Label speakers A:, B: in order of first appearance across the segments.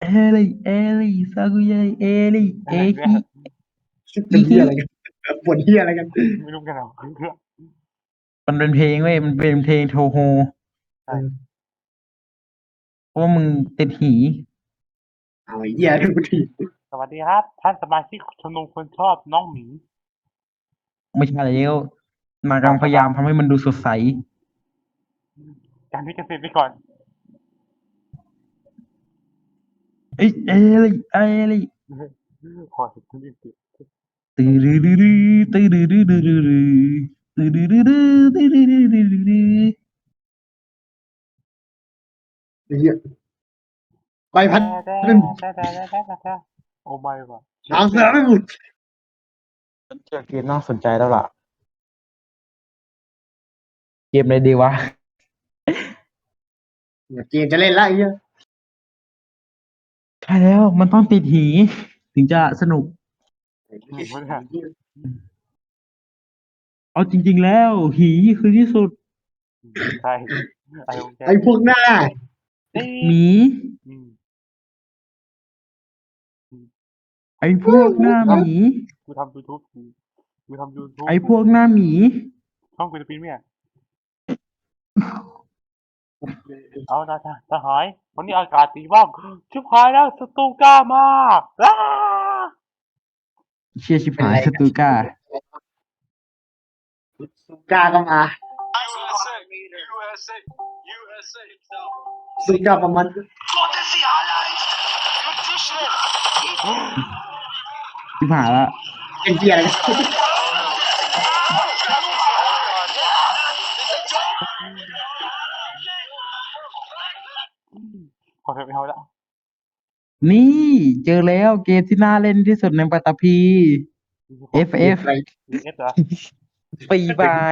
A: เอลิซากุเยเอลิเอ
B: อะไรเนี่ย
A: ฮิ
C: เป็นเฮี
A: อีฮิ
C: ยอะไรกันปวดเฮียอะไรกัน
B: ไม่รู้กันหรอก
A: มันเป็นเพลงเว้ยมันเป็นเพลงโทโฮ
C: เออ
A: เพราะว่ามึงติดหี
C: เอาไอ้เฮียทุกที
B: สวัสดีครับท่านสมาชิกชมรมคนชอบน้องหมี
A: ไม่ใช่แล้วนางกำลังพยายา
B: ครับ
A: มทำให้มันดูสดใส
B: การที่เกษตรไปก่อน
A: เอ้ยเอลิเอลิ
B: ขอสุดที่สุด
A: ตื้อดื้อดื้อดื้อตื้อดื้อดื้อดื้อดื้อตื้อดื้อดื้อดื้อตื้อดื้อดื้อดื้อดื้อ
C: ไอ้เฮียใบพัด
B: แต่
C: ไม่หมด
B: โอ้ไม่ว่ะ
C: หางเสือไม่หมด
A: เจอเกมน่าสนใจแล้วล่ะเกมอะไรดีวะ
C: เกมจะเล่นละไอ้เฮีย
A: ใช่แล้วมันต้องติดหีถึงจะสนุก
B: ไม่ได้
A: เอาจริงๆแล้วหีคือที่สุด
B: ใช่อะไรของแก
C: ไอ้พวกหน้า
B: นี่
A: หมี
B: อืม
A: ไอ้พวกหน้าหมี
B: กูทำยูทูบกูทำยูทูบ
A: ไอ้พวกหน้าหมี
B: ช่องกูจะปีนเนี่ยเอานะทหารวันนี้อากาศดีมากชิบหายแล้วศัตรูกล้ามาก
A: เชียชิบ
C: เป็น
A: หาย
C: ไร
A: สตูก้า
C: กล้าก็มาสุดยอดประมาณ
A: ชิบหายละ
C: เป็นเฮียอะไรกัน
B: ขอเถอะไม่เอาละ
A: นี่เจอแล้วเกมที่น่าเล่นที่สุดในปัตตภี
C: เกม
A: FF
C: อะไร
B: วีเอสเหรอ
A: ฟรีบาย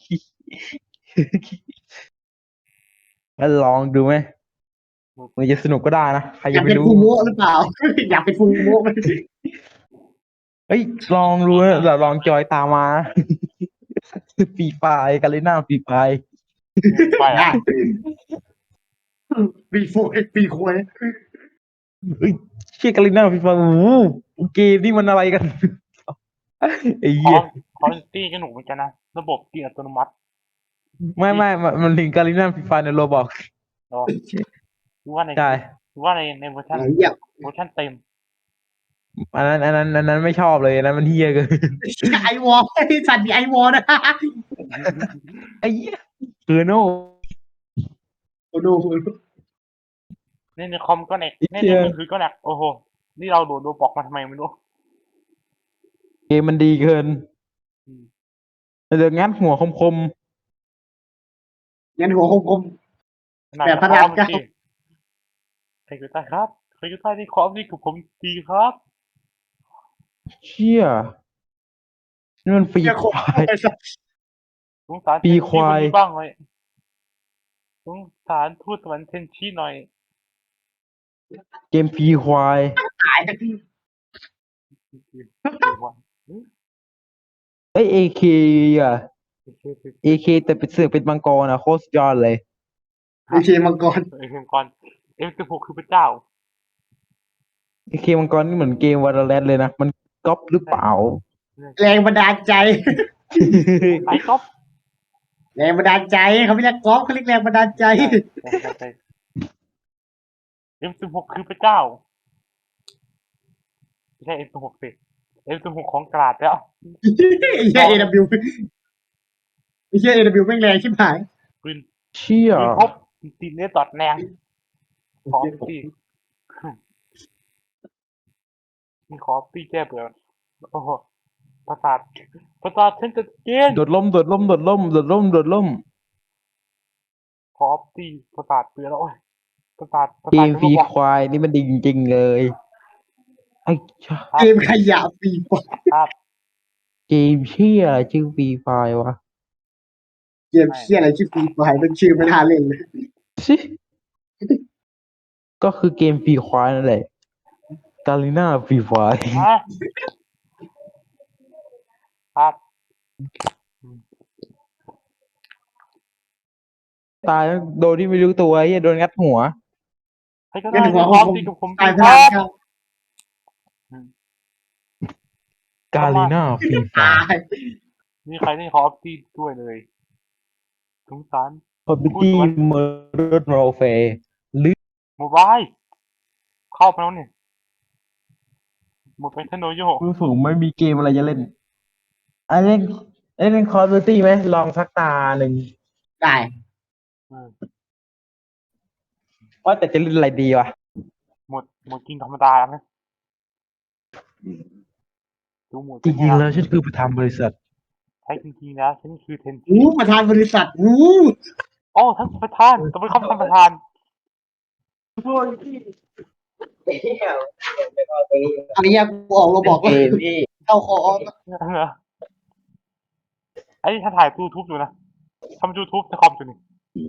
A: แล้วลองดูไหมมันจะสนุกก็ได้นะใคร
C: อยาก
A: จะไปรู้
C: เป็นฟูโมะหรือเปล่าอยากเป็นฟูโมะไหม
A: เฮ้ยลองดูนะเราลองจอยตามมาฟรีไฟล์กันเลยหน้าฟรีไฟล์
B: ไปอ่ะ
C: ได้ปีโฟปีโควย
A: เฮ้ยเชี่ยกันเลยหน้าฟรีไฟล์โอ้โหเกมนี่มันอะไรกันไอ้
B: คอ
A: เหี้ย
B: มคอมตี้ก็หนุกเหมือนกันนะระบบตีอัตโนมัติที่
A: ไม่มันถึงการิน่าฟรีไฟในโรบอก
B: เนาะรู้ว่าใน
A: ใช่
B: รู้ว่าในเวอร์ชัน
C: ไอ้เหี้ย
B: เต็ม
A: อันนั้นไม่ชอบเลยอันนั้นมันเฮี้ยเกิน
C: ไอวอลไอสัตว์มีไอวอลนะ
A: ไอ้เหี้ยคือโน่
C: โอ้โห
B: ในคอมก็แหนกใน
A: เชี่ย
B: มือถือก็แหนกโอ้โหนี่เราโดดโดบอกมาทำไมไม่รู้
A: เกมมันดีเกิน
B: อืม
A: เดี๋ยวงัดหัวคม
C: งั้นหัวคม
B: ขนาด
C: แบบพระ
B: คอ
C: รามเก้า
B: มสิใครอยู่ใต้ครับใครอยู่ใต้ที่คอมนี่คือผมดีครับ
A: ๆเชี่ยนี่มันฟรี
C: เหี้ยคม
A: ควาย
C: ไอ้สัตว์
B: สงสาร
A: ฟรี
B: เทน
A: ควาย
B: ชีคนนี้บ้างเลยสงสารทูตสวรรค์เทนชีหน่อย
A: เกมฟรีควาย
C: ตาย
A: เอ้ยเอเคอ่ะเอเคแต่เป็นเสือกเป็นมังกรอ่ะโคตรสุดยอดเลย
C: ไอเคมังกร
B: เอ็มก่อนM16คือพระเจ้า
A: เอเคมังกรนี่เหมือนเกมวาโลแรนต์เลยนะมันก๊อปหรือเปล่า
C: แรงบันดาลใจ
B: ไอ้ก๊อฟ
C: แรงบันดาลใจเขาไม่เรียกกอล์ฟเขาเรียกแรงบันดาลใจ
B: ใช่ M16คือพระเจ้าไม่ใช่ M16สิ M16ของกราดแล้ว
C: ไอ้เหี้ยเอวไอ้เหี้ยเอวแม่งแรงชิบหาย
B: ปืน
A: เชี่ย
B: ปืนพบตีเนื้อตอดแรงขอตีมีขอตีแก้เบื่อโอ้โหประสาทฉันจะเกณฑ์
A: โดดล่มโดดล่มโดดล่มโดดล่มโดดล่ม
B: ขอตีประสาทเบื่อแล้วโอ้ยประสาท
A: เกมฟรี
B: จะบอก
A: ควายนี่มันดีจริงๆเลยไอ้ชะ
C: เกมขยะฟรีไฟร์
B: ครับ
A: เกมเชี่ยอะไรชื่อฟรีไฟวะ
C: เกมเชี่ยอะไรชื่อฟรีไฟร์เป็นชื่อไม่น่าเล่นเลย
A: ชิก็คือเกมฟรีควายนั่นแหละกาลิน่าฟรีไฟ
B: ฮะครับ
A: ตายแล้วโดนที่ไม่รู้ตัวไอ้เหี้ยโดนงัดหัว
B: ใครก็
C: เงิ
B: ได้
C: นหัว
B: ข
C: ข
B: อ
C: องผม
B: ตีกับผม
C: ตาย
B: ที
C: พ
B: ค
C: ลั
B: รั
C: ง
B: บ
C: ครับ
A: กาลีน่าฟรีไฟ
C: ตาย
B: มีใครได้ขอตีด้วยเลยสงสาร
A: คอมพิว
B: พูด
A: ตี้
B: สวน
A: เมอร์โรเฟหรือ
B: โมบายเข้าไปแล้วเนี่ยหมดไปเทนโนโย
A: ผมไม่มีเกมอะไรจะเล่นอันเล่นเล่นคอมพิวตี้ไหมลองสักตาหนึ่ง
C: ได้
B: เออ
A: ว่าแต่จะเล่นอะไรดีวะ
B: หมดกินธรรมดาแล้วนะดูหมด
A: จ
B: เป็นไง
A: ริงๆ
B: ล่ะ
A: แล้วฉันคือประธานบริษัท
B: ใช่จริงๆแล้วฉันคือเทน
C: ประธานบริษัทอู้
B: โอ้ท่านประธานต้องเป็นคำท่านประธาน
C: อันนี้กูออกเราบอกเลยเข้าคอ
B: เหรอไอ้นี่ท่านถ่ายยูทูบอยู่นะทำยูทูบในคอมอยู่นี่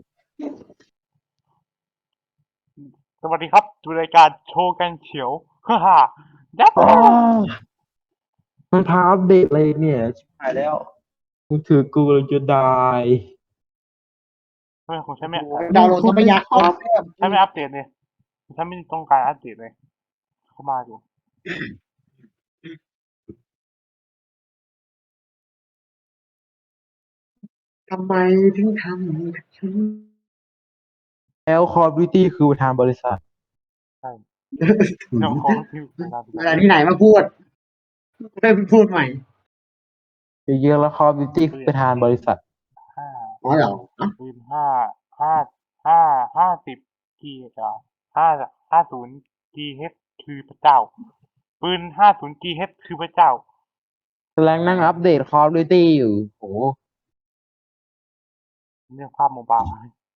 B: สวัสดีครับดูรายการโชว์กันเฉียวฮ่าฮ่ายับ
A: อ๋อมันพาอัปเดตอะไรเนี่ยชิบหายแล้วกูถือกูเลยจะได้
B: ไม่ของฉันไม่
C: ดาวน์โหลดทรัพยากรเพิ่ม
B: ฉันไม่อัปเดตเลยฉันไม่ต้องการอัปเดตเลยเข้ามาอยู่
C: ทำไมถึงทำฉัน
A: แล้วคอมพิวตี้คือประธานบริษัท
B: ใช่เจ้าของที่เวลา
C: อะไรที่ไหนมาพูดได้พูดใหม่
A: เยอะๆแล้วคอมพิวตี้คือประธานบริษัท
B: ห้า
C: อ๋อเหรอ
B: ปืนห้า50กี50กีเฮดคือพระเจ้าปืน50กีเฮดคือพระเจ้า
A: กำลังนั่งอัปเดตคอมพิวตี้อยู่โห
B: เรื่องภาพโมบาย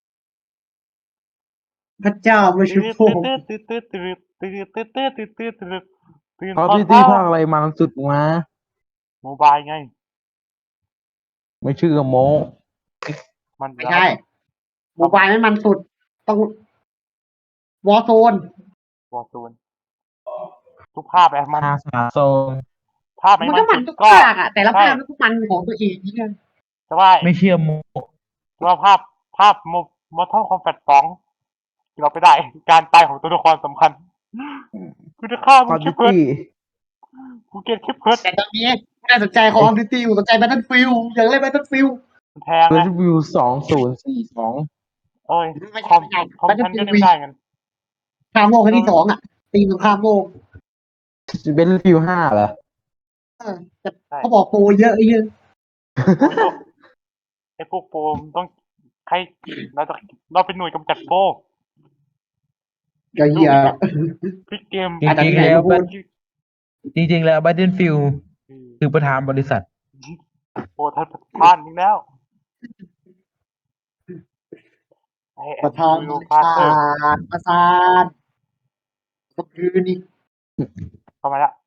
C: พระเจ้าไม่ใช่
B: ตื่น
C: พวก
B: ตื่นตื่นตื่นตื่นตื่นตื่นตื่นตื่นตื่นตื่นตื่น
A: คอม
B: ตอ
A: พิ
B: น
A: วตี้
B: เช้า
A: ภาคอะไรมันสุดมา
B: โมบายไง
A: ไม่ชื่อโม
B: มัน
C: ไม่ใช่โมบายมันสุด ต้องวอร์โซน
B: วอร์ซูนทุกภาพแบบมัน
A: ฮาสาโซน
B: ภาพไห
C: มัน
B: มั
C: ก็
B: น
C: มัน
B: สุ
C: ทุ
B: ด
C: ก
B: ก็
C: ภาคอะแต่ละภาคมันก็มันของตัวเองนี่กัน
B: แต่ว่า
A: ไม่เชื่อโม
B: แต่ว่าภาพมอทอลคอมแฟต2เราไปได้การตายของตัวละครสำคัญกูจะฆ่า
A: ค
B: มึ
A: อง ม
B: คิ
A: พิ
B: ป
A: ว
B: เพิร์ด
A: ตี้
B: กูเกลียดคิปเพิร์ด
C: แต่ตอนนี้ไม่ได้สนใจคอมพิวตี้อยู่สนใจแบทเทิลฟิลอยากเล่นแบทเทิลฟิล
B: มันแพง
A: เร
B: ไง
A: วิว2042
B: เอ้ย
C: ไม่
B: คอม
C: ใช่
B: คอมฉันก็เล่นได้กัน
C: ข้ามโลกครั้งที่2อะตีมสงครามโลก
A: เป็นรีวิว5เหรอ
C: แต่เขาบอกโปรเยอะไอ้เหี้ย
B: ไอ้พวกโปรมนต้องใครเราเป็นหน่วยกำจัดโปร
C: ก็เหี้ย
B: พลิกเกม
A: จริงๆแล้ว จริงๆแล้ว Battlefield คือประธานบริษัท
B: โปรท่านประธานอีกแล้วไอ้
C: ประธาน
B: วิ
C: บ
B: ว
C: ริ
B: ฟา
C: ษั
B: เตอร์
C: ทประธานก็คือนี่
B: เข้ามาละ